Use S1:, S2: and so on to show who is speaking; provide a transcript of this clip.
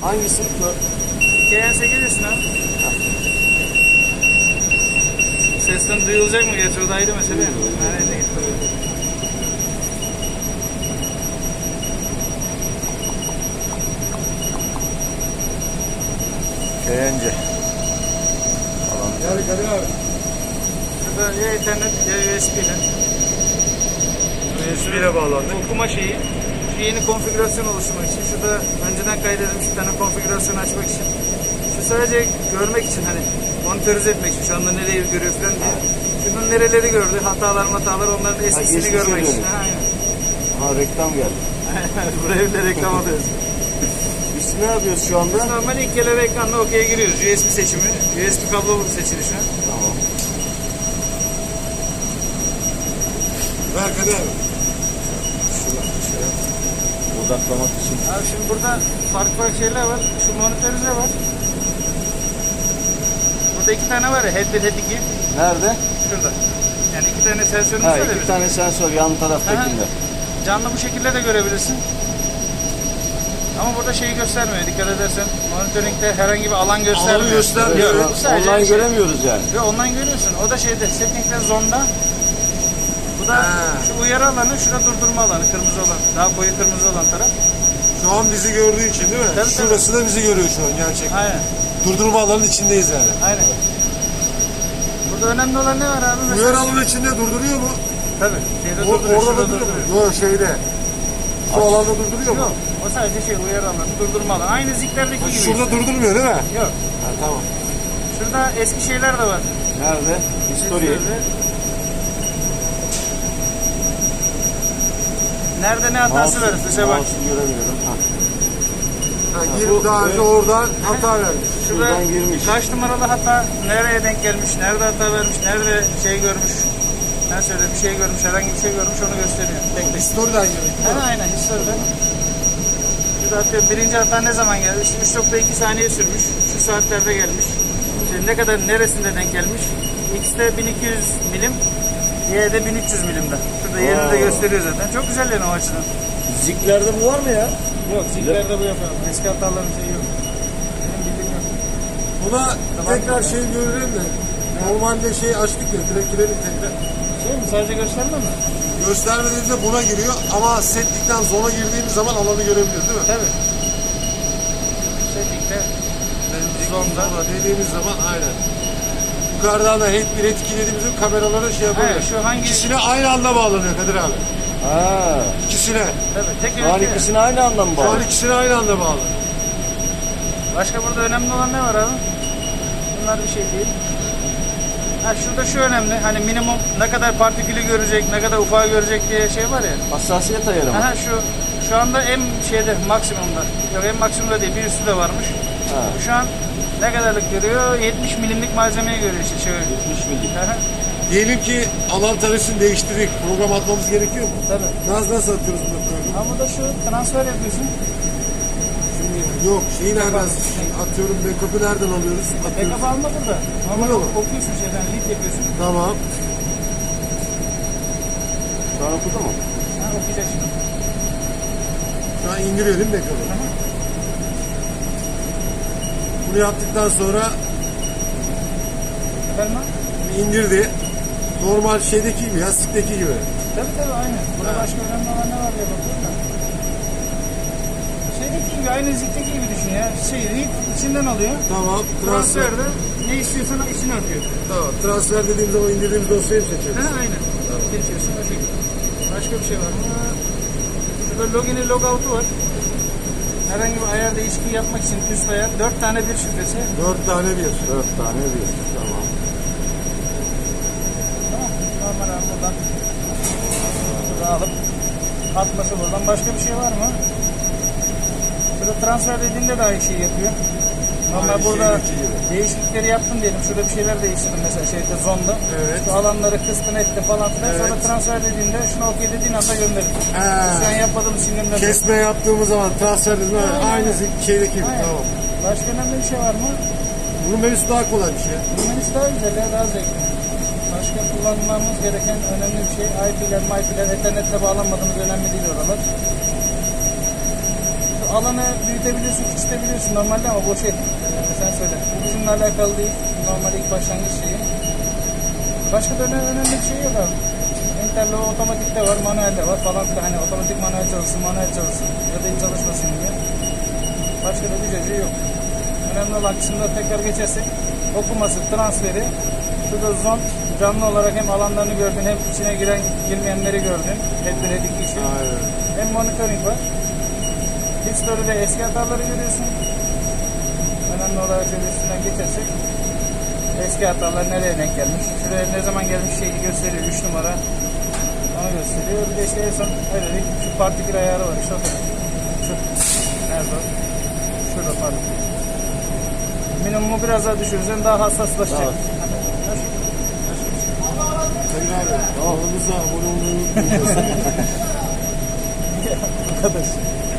S1: Hangisi?
S2: KN8 ismi abi. Sesten duyulacak mı? Geç oradaydı mesela. Nerede gitti?
S1: Beğence.
S3: Gel Kadir abi.
S2: Şurada ya internet ya USB ile.
S3: USB ile bağlandık.
S2: Okuma şeyi. Şu yeni konfigürasyon oluşturmak için. Şurada önceden kaydedilmiş bir tane konfigürasyon açmak için. Şu sadece görmek için hani monitörize etmek için. Şu anda nereyi görüyor falan diye. Şunun nereleri gördü, hatalar onların eskisini
S1: geçmişe
S2: görmek için.
S1: dönüyor.
S2: Ha, aynen.
S1: Ha, reklam geldi.
S2: Buraya bile reklam alıyoruz.
S1: Biz ne yapıyoruz şu anda?
S2: Biz normal ilk kere ekranla OK'ye giriyoruz. USB seçimi. USB kablo seçili şu an.
S1: Tamam.
S3: Ver Kadir abi.
S1: Odaklamak için.
S2: Abi şimdi burada farklı şeyler var. Şu monitörize var. Burada iki tane var ya. Head 1, Head 2.
S1: Nerede?
S2: Şurada. Yani iki tane sensörümüz
S1: Ha,
S2: var ya.
S1: iki
S2: bizim.
S1: tane sensör yan taraftakinde.
S2: Canlı bu şekilde de görebilirsin. Ama burada şeyi göstermiyor. Dikkat edersen monitoring'de herhangi bir alan göstermiyor.
S3: Alanı göstermiyor.
S2: Yok, bu sadece
S1: Online
S2: şey.
S1: göremiyoruz yani.
S2: Ve online görüyorsun. O da şeyde setting'de zonda. Bu da şu uyarı alanı, şurada durdurma alanı, kırmızı olan. Daha koyu kırmızı olan taraf.
S3: Şu an bizi gördüğü için değil mi?
S2: Tabii,
S3: Şurası da bizi görüyor şu an gerçekten.
S2: Aynen.
S3: Durdurma alanının içindeyiz yani.
S2: Aynen. Burada önemli olan ne var abi? Mesela
S3: Uyarı alanının içinde durduruyor mu?
S2: tabii. Şeyde durduruyor,
S3: Orada
S2: şurada
S3: durduruyor
S2: durduruyor.
S3: mu? Yok şeyde. Şu alanda durduruyor mu?
S2: Yok. O sadece şey uyarı alanı, durdurma alanı. Aynı ziklerdeki gibi.
S3: Şurada durdurmuyor değil mi?
S2: Yok.
S3: Ha, tamam.
S2: Şurada eski şeyler de var.
S1: Nerede? History.
S2: Nerede ne hatası verir? Mesela bak.
S1: Mouse'u göremiyorum. Ha.
S3: Ha, girip daha önce oradan hata vermiş.
S2: Şurada
S1: Şuradan girmiş.
S2: kaç numaralı hata, nereye denk gelmiş, nerede hata vermiş, nerede şey görmüş, nasıl öyle bir şey görmüş, herhangi bir şey görmüş onu gösteriyor. Tek tek.
S3: Story'den girdik.
S2: Aynen historiden. Şurada atıyorum birinci hata ne zaman geldi? İşte 3.2 saniye sürmüş, şu saatlerde gelmiş. İşte ne kadar neresinde denk gelmiş? X'de 1200 milim, Y'de 1300 milimde. Şurada yerini de gösteriyor zaten. Çok güzel yani o açıdan.
S1: Ziklerde bu var mı ya?
S2: Yok, ziklerde bu yok abi. Eski hataların şeyi yok. Benim bildiğim yok.
S3: Buna tekrar şey görelim de. Normalde şey açtık ya, direkt girelim tekrar.
S2: Şey mi? Sadece gösterme mi?
S3: Göstermediğimizde buna giriyor ama setlikten zona girdiğimiz zaman alanı görebiliyoruz değil mi?
S2: Tabii. Setting'de zonda.
S3: Zona dediğimiz zaman aynen. Yukarıdan da head 1, head 2 dediğimizde kameralara şey yapıyor.
S2: Hayır, şu hangi...
S3: İkisine aynı anda bağlanıyor Kadir abi.
S1: Ha.
S3: İkisine.
S2: Tabii, tek
S1: Şu an
S2: ülke.
S1: ikisini aynı anda mı
S3: Şu an
S1: bağlı?
S3: ikisine aynı anda bağlı.
S2: Başka burada önemli olan ne var abi? Bunlar bir şey değil. Ha şurada şu önemli. Hani minimum ne kadar partikülü görecek, ne kadar ufağı görecek diye şey var ya.
S1: Hassasiyet ayarı mı?
S2: Aha şu anda en şeyde maksimumda. Yok en maksimumda değil, bir üstü de varmış.
S1: Ha.
S2: Bu şu an ne kadarlık görüyor? 70 milimlik malzemeyi görüyor işte şöyle.
S1: 70 milim.
S2: Aha,
S3: Diyelim ki alan tarifini değiştirdik. Program atmamız gerekiyor mu?
S2: tabii.
S3: Nasıl atıyoruz bunu programı?
S2: Ama da şu transfer yapıyorsun.
S3: Şimdi yok şeyi nereden atıyorum, backup'ı nereden alıyoruz? Atıyoruz.
S2: Backup alma burada. Normal
S3: Burada mı?
S2: okuyorsun şeyden, read yapıyorsun.
S3: Tamam.
S1: Şu an okudu mu?
S2: Ha okuyacak şimdi.
S3: Şu an indiriyor değil mi backup'ı?
S2: Aha.
S3: Bunu yaptıktan sonra
S2: Efendim?
S3: indirdi. Normal şeydeki gibi, yastıktaki gibi.
S2: Tabii aynen. Burada
S3: Ha.
S2: başka önemli olan ne var diye bakıyorum da. Şeydeki gibi, aynı zikteki gibi düşün ya. Şey, read içinden alıyor.
S3: Tamam.
S2: Transferde ne istiyorsan içine atıyor.
S3: Tamam. Transfer dediğimiz zaman indirdiğimiz dosyayı mı seçiyoruz?
S2: Ha, aynen. Geçiyorsun o şekilde. Başka bir şey var mı? Şurada login'i logout'u var. Herhangi bir ayar değişikliği yapmak için üst ayar. 4 tane bir şifresi.
S3: 4 tane bir.
S1: 4 tane bir. Tamam.
S2: Tamam. Normal abi buradan. Şurada alıp atması buradan. Başka bir şey var mı? Şurada transfer dediğinde de aynı şeyi yapıyor. Normal
S3: Aynı
S2: burada
S3: şeydeki gibi.
S2: değişiklikleri yaptım diyelim. Şurada bir şeyler değiştirdim mesela şeyde zonda.
S3: Evet.
S2: Şu alanları kıstın etti falan filan.
S3: Evet.
S2: Sonra transfer dediğinde şunu okey dediğin anda gönderir.
S3: Ha.
S2: Şu an yapmadığımız için gönderir.
S3: Kesme yaptığımız zaman transfer dediğimiz zaman
S2: Aynen.
S3: aynı şeydeki gibi.
S2: Aynen.
S3: Tamam.
S2: Başka önemli bir şey var mı?
S3: Bunun menüsü daha kolay bir şey.
S2: Bu menüsü daha güzel ya, daha zevkli. Başka kullanmamız gereken önemli bir şey. IP'ler, MIP'ler, Ethernet'le bağlanmadığımız önemli değil oralar. alanı büyütebiliyorsun, küçültebiliyorsun normalde ama bu şey, sen söyle. Bu bizimle alakalı değil. Normal ilk başlangıç şeyi. Başka da önemli bir şey yok abi. Interlo otomatik de var, manuel de var falan filan. Hani otomatik manuel çalışsın ya da hiç çalışmasın diye. Başka da bir şey yok. Önemli olan kısımda tekrar geçersek okuması, transferi. Şurada zon canlı olarak hem alanlarını gördün hem içine giren girmeyenleri gördün. Hep için.
S1: Aynen.
S2: Hem monitoring var. History'de eski hataları görüyorsun. Önemli olarak şöyle üstünden geçersek eski hatalar nereye denk gelmiş. Şuraya ne zaman gelmiş şeyi gösteriyor. 3 numara. Onu gösteriyor. Bir de işte en son öyle değil. Şu partikül ayarı var işte o kadar. Şu. Nerede o? Şurada partikül. Minimumu biraz daha düşürürsen daha hassaslaşacak.
S1: Evet. Sayın abi, kanalımıza abone olmayı unutmayın.
S2: Arkadaş.